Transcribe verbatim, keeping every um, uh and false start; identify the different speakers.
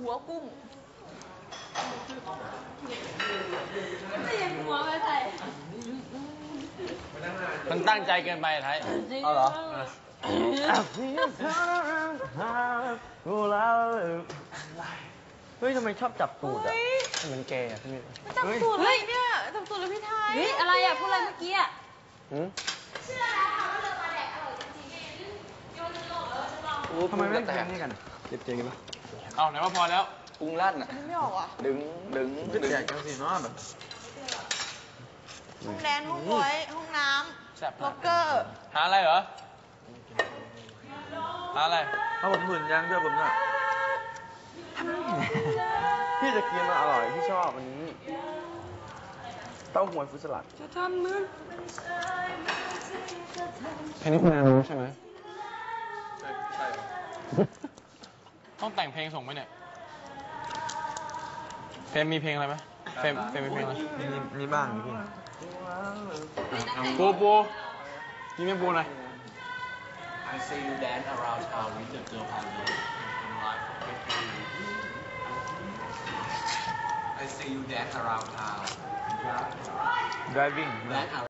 Speaker 1: หัวกุ้งไม่ยังหัวไม่ใส่
Speaker 2: มันตั้งใจเกินไปไทย
Speaker 3: เอาเหรอเฮ้ยทำไมชอบจับตูดอ่ะมันเกย์อ่ะพี่
Speaker 1: จับตูดเลยเนี่ยจับตูดเลยพี่ไทยเฮ้ยอะไรอ่ะพูดอะไรเมื่อกี้อ่ะ
Speaker 3: ทำไมไม่แทงนี่กันเจ็บเจกันปะ
Speaker 2: เอาไหนว่าพอแล้ว
Speaker 3: พุงลั่นอ่ะ
Speaker 1: ไม่ออกอ่ะ
Speaker 3: ดึงดึงดึงแจกจังสิเนาะแบบ
Speaker 1: ห้องแดนห้องบอยห้องน้
Speaker 2: แซ่บ
Speaker 1: ำล็อกเกอร์
Speaker 2: หาอะไรเหรอหาอะไร
Speaker 3: ถ้าผมหมื่นยังด้วยผมน่ะพี่จะกินมันอร่อยพี่ชอบอันนี้เต้าหวยฟุตสลัด
Speaker 1: จะทำมึง
Speaker 2: เพลงนี้คุณรู้ใช่ไหมใช่ใช่ต้องแต่งเพลงส่งไหมเนี่ยเฟรมมีเพลงอะไรไหมเฟรมเฟรมมีเพลงอะไร
Speaker 3: มีมีบ้างพี่
Speaker 2: ปูปูยิงแม่ปูหน่อย
Speaker 4: I see you dance around town with the girl I love in life. I see you dance around town.
Speaker 3: driving
Speaker 4: Dance around